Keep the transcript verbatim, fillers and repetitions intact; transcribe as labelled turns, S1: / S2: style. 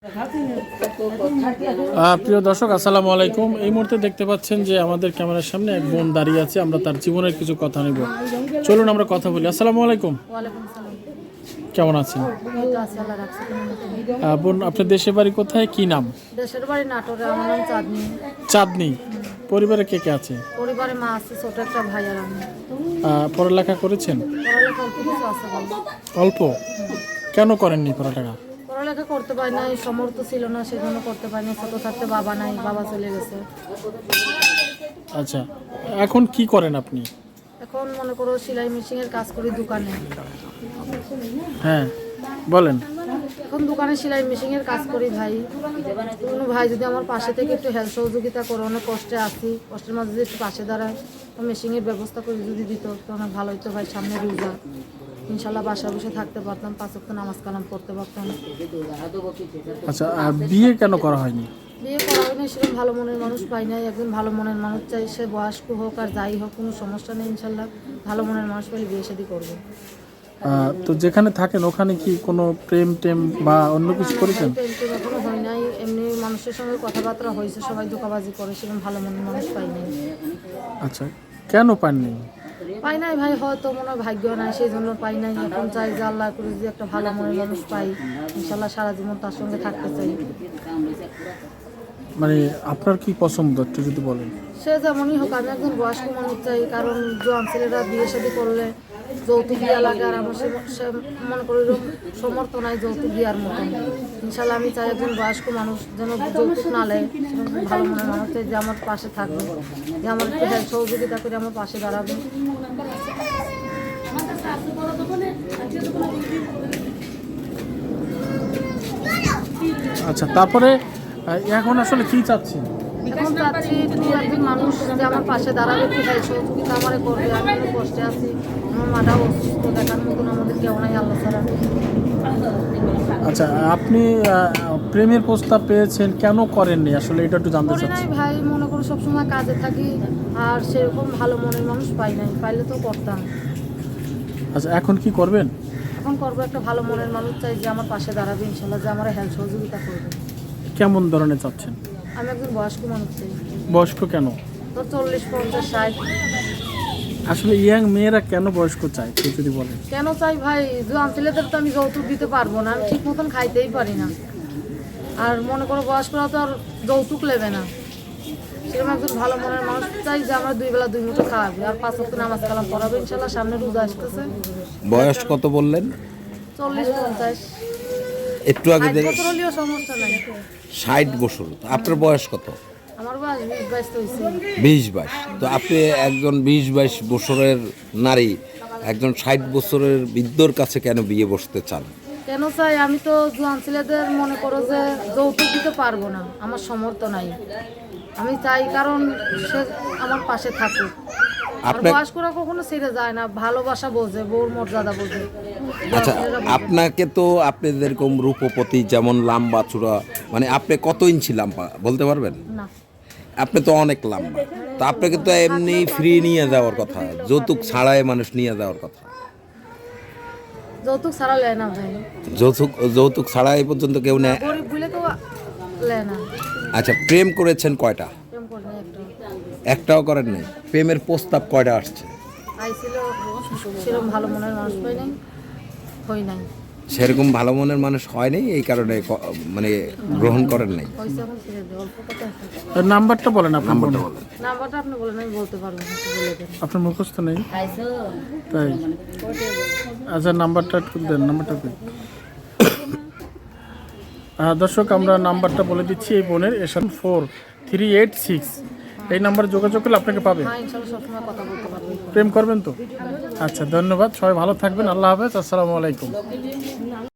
S1: প্রিয় দর্শক, আসসালামু আলাইকুম। এই মুহূর্তে দেখতে পাচ্ছেন যে আমাদের ক্যামেরার সামনে এক বোন দাঁড়িয়ে আছে। আমরা তার জীবনের কিছু কথা নেব। চলুন আমরা কথা বলি। আসসালামু আলাইকুম। কেমন আছেন বোন? আপনার দেশের বাড়ি কোথায়, কি নাম?
S2: দেশের বাড়ি নাটোরে, আমার নাম চাঁদনি।
S1: চাঁদনি। পরিবারে কে কে আছে?
S2: পরিবারে মা আছে, ছোট একটা ভাই আর আমি।
S1: পড়ালেখা করেছেন?
S2: পড়ালেখা অল্প কিছু আছে।
S1: অল্প? কেন করেননি পড়ালেখা?
S2: পড়ালেখা করতে পারি নাই, সমর্থ ছিল না, সেজন্য করতে পারিনি। ছোট থাকতে বাবা নাই, বাবা চলে গেছে।
S1: আচ্ছা, এখন কি করেন আপনি?
S2: এখন মনে করো সেলাই মেশিনের কাজ করি দোকানে।
S1: হ্যাঁ বলেন।
S2: এখন দোকানে সেলাই মেশিনের কাজ করি ভাই। কোনো ভাই যদি আমার পাশে থেকে একটু হেল্প সহযোগিতা করে, অনেক কষ্টে আছি, কষ্টের মাঝে যদি একটু পাশে দাঁড়ায়, মেশিনের ব্যবস্থা করে যদি দিত তো অনেক ভালো হতো ভাই। সামনে রোজা, ইনশাল্লাহ বাসায় বসে থাকতে পারতাম, পাঁচ ওয়াক্ত নামাজ কালাম পড়তে পারতাম।
S1: আচ্ছা, বিয়ে কেন করা হয়নি?
S2: বিয়ে করা হয়নি, সেরকম ভালো মনের মানুষ পাই নাই। একজন ভালো মনের মানুষ চাই, সে বয়স্ক হোক আর যাই হোক, কোনো সমস্যা নেই। ইনশাল্লাহ ভালো মনের মানুষ পেলে বিয়ে শাদী করবো।
S1: তো যেখানে থাকেন ওখানে কি কোনো প্রেম টেম বা অন্য কিছু করেছেন?
S2: প্রেম টেম এখনো হয় নাই। এমনি মানুষের সঙ্গে কথাবার্তা হয়েছে, সবাই ধোঁকাবাজি করে, সেরকম ভালো মনের মানুষ পাই নাই।
S1: আচ্ছা, কেন পাননি?
S2: পাই নাই ভাই, হয়তো মনে হয় ভাগ্য নাই, সেই জন্য পাই নাই। এখন চাই যে আল্লাহ করে যদি একটা ভালো মনের মানুষ পাই, ইনশাল্লাহ সারা জীবন তার সঙ্গে থাকতে চাই।
S1: মানে আপনার কি পছন্দ একটু যদি বলেন?
S2: সে যেমনই হোক, আমি একজন বয়স্ক মানুষ চাই। কারণ জোয়ান ছেলেরা বিয়ে শাদী করলে যৌতুক বিয়া লাগে, আর আমার সে মনে করি সমর্থ নাই যৌতুক বিয়ার মতন। ইনশাল্লাহ আমি চাই একজন বয়স্ক মানুষ যেন যৌতুক না নেয়, ভালো মনের মানুষ চাই, যে আমার পাশে থাকবে, যে আমার একটু হেল্প সহযোগিতা করে আমার পাশে দাঁড়াবে।
S1: আচ্ছা, তারপরে এখন আসলে কি চাচ্ছেন?
S2: এখন চাচ্ছি একজন মানুষ যে আমার পাশে দাঁড়াবে, একটু হেল্প সহযোগিতা আমার করবে। আমি অনেক কষ্টে আছি, আমার মাটাও অসুস্থ, দেখার মতন আমাদের কেউ নাই আল্লাহ ছাড়া।
S1: আচ্ছা, আপনি প্রেমের প্রস্তাব পেয়েছেন, কেন করেননি আসলে এটা একটু জানতে চাচ্ছি।
S2: নাই ভাই, মনে করো সবসময় কাজে থাকি, আর সেরকম ভালো মনের মানুষ পাই নাই, পাইলে তো করতাম।
S1: আচ্ছা, এখন কি করবেন?
S2: এখন করবো, একটা ভালো মনের মানুষ চাই যে আমার পাশে দাঁড়াবে, ইনশাল্লাহ যে আমার হেল্প সহযোগিতা করবে।
S1: কেমন ধরনের চাচ্ছেন?
S2: আমি একজন বয়স্ক মানুষ চাই।
S1: বয়স্ক কেন?
S2: তো চল্লিশ পঞ্চাশ ষাট।
S1: আসলে ইয়াং মেয়েরা কেন বয়স্ক চায় কেউ যদি বলেন?
S2: কেন চাই ভাই, জোয়ান ছেলেদের তো আমি যৌতুক দিতে পারবো না, আমি ঠিক মতন খাইতেই পারি না। আর মনে করো বয়স্করা তো আর যৌতুক নেবে না। সেরকম একজন ভালো মনের মানুষ চাই যে আমরা দুই বেলা দুই মুঠো খাওয়াবে, আর পাঁচ ওয়াক্ত নামাজ কালাম পড়াবে। ইনশাল্লাহ সামনে রোজা আসতেছে।
S3: বয়স কত বললেন?
S2: চল্লিশ পঞ্চাশ।
S3: একটু আগে
S2: বছর হলেও সমস্যা নাই।
S3: ষাট বছর। আপনার বয়স কত?
S2: আমার বয়স বিশ বাইশ তো হয়েছে।
S3: বিশ বাইশ। তো আপনি একজন বিশ বাইশ বছরের নারী একজন ষাট বছরের বৃদ্ধর কাছে কেন বিয়ে বসতে চান?
S2: কেন চাই, আমি তো জোয়ান ছেলেদের মনে করো যে যৌতুক দিতে পারবো না, আমার সামর্থ্য নাই। আমি চাই কারণ সে আমার পাশে থাকুক। আর বয়স্করা কখনো ছেড়ে যায় না, ভালোবাসা বোঝে, বউর মর্যাদা বোঝে।
S3: আচ্ছা, আপনাকে তো আপনি যেরকম রূপপতি, যেমন লাম্বা চূড়া, মানে আপনি কত ইঞ্চি লাম্বা বলতে পারবেন?
S2: না,
S3: আপনি তো অনেক লাম্বা। তো আপনাকে তো এমনি ফ্রি নিয়ে যাওয়ার কথা, যৌতুক ছাড়াই মানুষ নিয়ে যাওয়ার কথা।
S2: যৌতুক ছাড়া লেয় না ভাই।
S3: যৌতুক যৌতুক ছাড়া এই পর্যন্ত কেউ নেয়?
S2: গরিব বলে তো লেয় না।
S3: আচ্ছা, প্রেম করেছেন কয়টা?
S2: প্রেম করি না একটা।
S3: একটাও করেন নাই? প্রেমের প্রস্তাব কয়টা আসছে?
S2: আইছিল, সেরকম ভালো মনের মানুষ পাই নাই, হই নাই।
S3: সেরকম ভালো মনের মানুষ হয় নাই, এই কারণে মানে গ্রহণ করেন নাই।
S2: হয়েছে, এখন ছেড়ে দেয়, অল্প কথা।
S1: নাম্বারটা বলেন, আপনার
S3: নাম্বারটা বলেন।
S2: নাম্বারটা আপনি বলেন, আমি বলতে পারবো না, বলে দেন।
S1: আপনার মুখস্থ নেই তাই? আচ্ছা, নাম্বারটা একটু দেন, নাম্বারটা দেন। হ্যাঁ দর্শক, আমরা নাম্বারটা বলে দিচ্ছি এই বোনের, এসন ফোর থ্রি এইট সিক্স। এই নাম্বারে যোগাযোগ করলে আপনাকে পাবে।
S2: হ্যাঁ, ইনশাল্লাহ সবসময় কথা বলতে পারবো।
S1: প্রেম করবেন তো? আচ্ছা, ধন্যবাদ। সবাই ভালো থাকবেন। আল্লাহ হাফেজ। আসসালামু আলাইকুম।